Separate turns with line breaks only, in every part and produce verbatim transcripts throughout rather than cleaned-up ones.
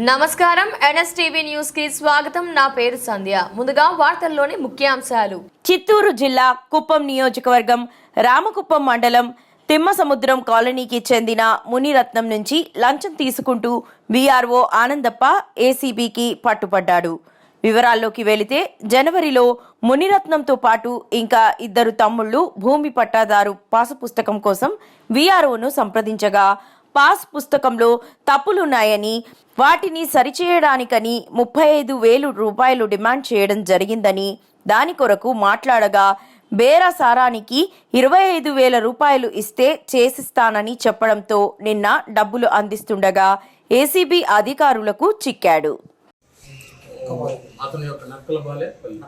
నమస్కారం NSTV news కి స్వాగతం. నా పేరు సంధ్య. ముందుగా వార్తల్లోని ముఖ్యాంశాలు.
చిత్తూరు జిల్లా కుప్పం నియోజకవర్గం రామకుప్పం మండలం తిమ్మసముద్రం కాలనీకి చెందిన మునిరత్నం నుంచి లంచం తీసుకుంటూ వీఆర్ఓ ఆనందప్ప ఏసీబీకి పట్టుపడ్డాడు. వివరాల్లోకి వెళితే జనవరిలో మునిరత్నంతో పాటు ఇంకా ఇద్దరు తమ్ముళ్లు భూమి పట్టాదారు పాసు పుస్తకం కోసం వీఆర్ఓను సంప్రదించగా పాస్ పుస్తకంలో తప్పులున్నాయని వాటిని సరిచేయడానికని ముప్పై ఐదు వేలు రూపాయలు డిమాండ్ చేయడం జరిగిందని దాని కొరకు మాట్లాడగా బేరసారానికి ఇరవై ఐదు వేల రూపాయలు ఇస్తే చేసిస్తానని చెప్పడంతో నిన్న డబ్బులు అందిస్తుండగా ఏసీబీ అధికారులకు చిక్కాడు.
అతని యొక్క నక్కల బాలే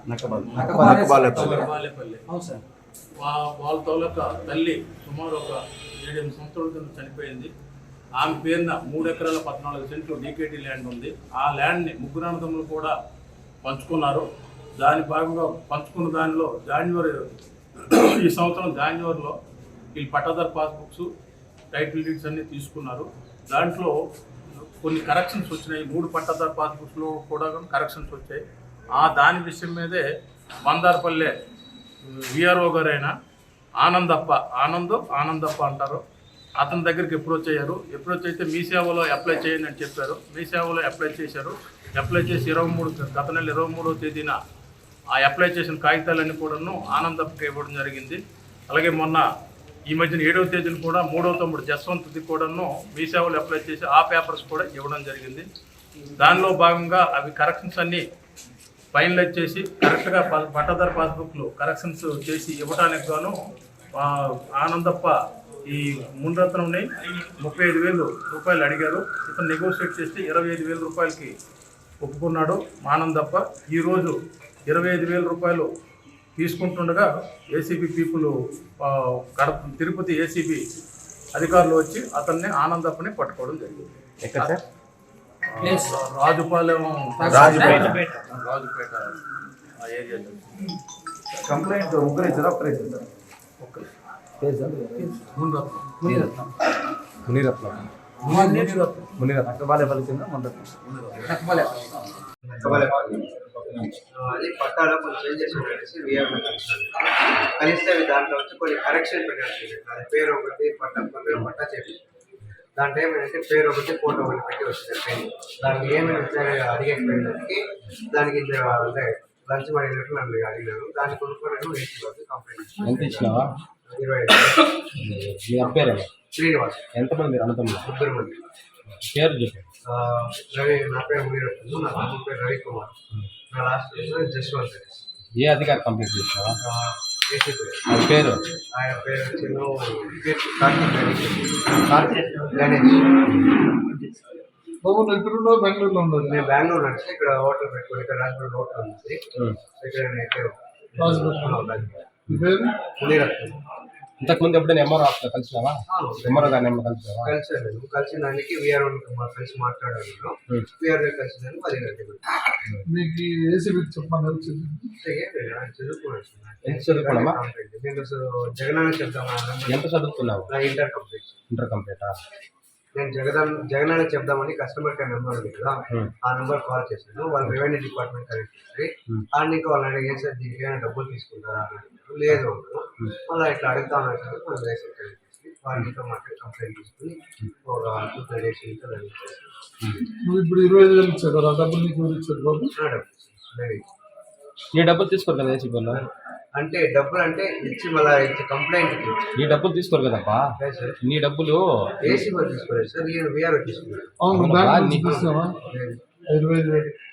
వాళ్ళ తోలక తల్లి సుమారు ఒక ఏడెనిమిది సంవత్సరాల కింద చనిపోయింది. ఆమె పేరున మూడు ఎకరాల పద్నాలుగు సెంట్లు డీకేటీ ల్యాండ్ ఉంది. ఆ ల్యాండ్ని ముగ్గురు అన్నదమ్ములు కూడా పంచుకున్నారు. దాని భాగంగా పంచుకున్న దానిలో జాన్యువరి ఈ సంవత్సరం జాన్యువరిలో వీళ్ళు పట్టాదారు పాస్బుక్స్ టైటిల్ డీడ్స్ అన్నీ తీసుకున్నారు. దాంట్లో కొన్ని కరెక్షన్స్ వచ్చినాయి. మూడు పట్టాదారు పాస్బుక్స్లో కూడా కరెక్షన్స్ వచ్చాయి. ఆ దాని విషయం మీదే మందారపల్లె విఆర్ఓ గారైన ఆనందప్ప ఆనంద్ ఆనందప్ప అంటారు. అతని దగ్గరికి అప్రోచ్ అయ్యారు. అప్రోచ్ అయితే మీ సేవలో అప్లై చేయండి అని చెప్పారు. మీ సేవలో అప్లై చేశారు. అప్లై చేసి ఇరవై మూడు గత నెల ఇరవై మూడవ తేదీన ఆ అప్లై చేసిన కాగితాలన్నీ కూడాను ఆనందప్పకి ఇవ్వడం జరిగింది. అలాగే మొన్న ఈ మధ్యన ఏడవ తేదీన కూడా మూడవ తమ్ముడు జస్వంత్ది కూడాను మీ సేవలో అప్లై చేసి ఆ పేపర్స్ కూడా ఇవ్వడం జరిగింది. దానిలో భాగంగా అవి కరెక్షన్స్ అన్నీ ఫైనలైజ్ చేసి కరెక్ట్గా పట్టాదారు పాస్బుక్లు కరెక్షన్స్ చేసి ఇవ్వడానికి గాను ఆనందప్ప ఈ మునిరత్నంని ముప్పై ఐదు వేలు రూపాయలు అడిగారు. ఇతను నెగోషియేట్ చేసి ఇరవై ఐదు వేల రూపాయలకి ఒప్పుకున్నాడు ఆనందప్ప. ఈరోజు ఇరవై ఐదు వేల రూపాయలు తీసుకుంటుండగా ACB people Kadapa Tirupati ACB అధికారులు వచ్చి అతన్ని ఆనందప్పని పట్టుకోవడం జరిగింది. రాజుపాలెం రాజుపేట రాజుపేట ఆ ఏరియాలో
కంప్లైంట్ ముగ్గురు ఇచ్చారా ఒక్కరే ఇచ్చారా?
ఓకే
మునిరత్నం
మునిరత్నం
మునిరత్నం
మునిరత్నం
మునిరత్నం అక్కబాలే పలికిందా మునిరత్నం
అది పట్టాలో కొన్ని చేంజెస్ ఉండేసి వీఆర్ఓ కలిస్తే అవి దాంట్లో వచ్చి కొన్ని కరెక్షన్ పెట్టాల్సి అది పేరు ఒకటి పట్టా పేరు పట్టా చేసి దాంట్లో ఏమైనా పేరు ఒకటి ఫోటో ఒకటి పెట్టి వచ్చింది. దానికి ఏమైనా అడిగేకి దానికి అంటే లంచ్ అడిగినట్లు నన్ను అడిగినాను. దాన్ని కొనుక్కోవడానికి వేసి కంప్లైంట్ ఇరవై ఐదు శ్రీనివాస్.
ఎంతమంది మీరు అన్నతమ్ములు?
ముగ్గురు మంది.
పేరు చెప్పండి.
రవి నా పేరు మునిరత్నం, నా తమ్ముడు పేరు రవికుమార్, నా లాస్ట్ జస్వంత్.
ఏ అధికారి కంప్లీట్ చేసినావా?
ఏసీపీ.
ఆయన పేరు
ఆయన పేరు వచ్చి కార్తీక్ గణేష్.
బాబు ఎక్కడున్నావు? బెంగళూరులో ఉండదు.
నేను బెంగళూరు నుంచి ఇక్కడ హోటల్ పెట్టుకుని ఇక్కడ రాజమండ్రి హోటల్ ఉంది. ఇక్కడ మునిరత్నం.
ఇంతకుముందు ఎప్పుడైనా ఎంఆర్ఓ ఆఫీస్లో కలిసినావా? ఎంఆర్ఓ గారిని ఏమో కలిసినావా?
కలిసాను. నేను కలిసిన దానికి వీఆర్ కలిసి మాట్లాడాను. వీఆర్ దగ్గర కలిసిందని పది గంటలు
మీకు ఏసీబీ చెప్పమని
చదువుకున్నాను.
ఎంత చదువుకున్నావా?
నేను అసలు జగనాన్ని చెప్తామని.
ఎంత చదువుకున్నావు?
నా ఇంటర్ కంప్లీట్.
ఇంటర్ కంప్లీటా?
నేను జగదాన్ జగనాన్ని చెప్దామని కస్టమర్ కేర్ నెంబర్ ఉంది కదా, ఆ నెంబర్ కాల్ చేశాను. వాళ్ళు రెవెన్యూ డిపార్ట్మెంట్ కనెక్ట్ చేసి ఆడికి వాళ్ళని అడిగే సార్ దీనికి ఏమైనా డబ్బులు తీసుకుంటారా అని. లేదు మళ్ళీ ఇట్లా అడుగుతా ఉన్నారు సార్. మనం రేషన్ కనెక్ట్ చేసి వాళ్ళతో మాట్లాడి కంప్లైంట్ తీసుకుని ఒక టూ త్రీ డేస్ ఇంకా
నువ్వు ఇప్పుడు ఇరవై ఐదు వేలు ఇచ్చారు కదా, డబ్బులు నీకు ఎవరు ఇచ్చారు బాబు?
నీ డబ్బులు తీసుకోరు కదా ఏసీ వల్ల?
అంటే డబ్బులు అంటే ఇచ్చి మళ్ళీ ఇచ్చి కంప్లైంట్
నీ డబ్బులు తీసుకోరు కదప్పా? నీ డబ్బులు
ఏసీ వాళ్ళు తీసుకోలేదు సార్, వీఆర్ తీసుకున్నారు.
అవును, తీసుకున్నావా? ఇరవై ఐదు వేలు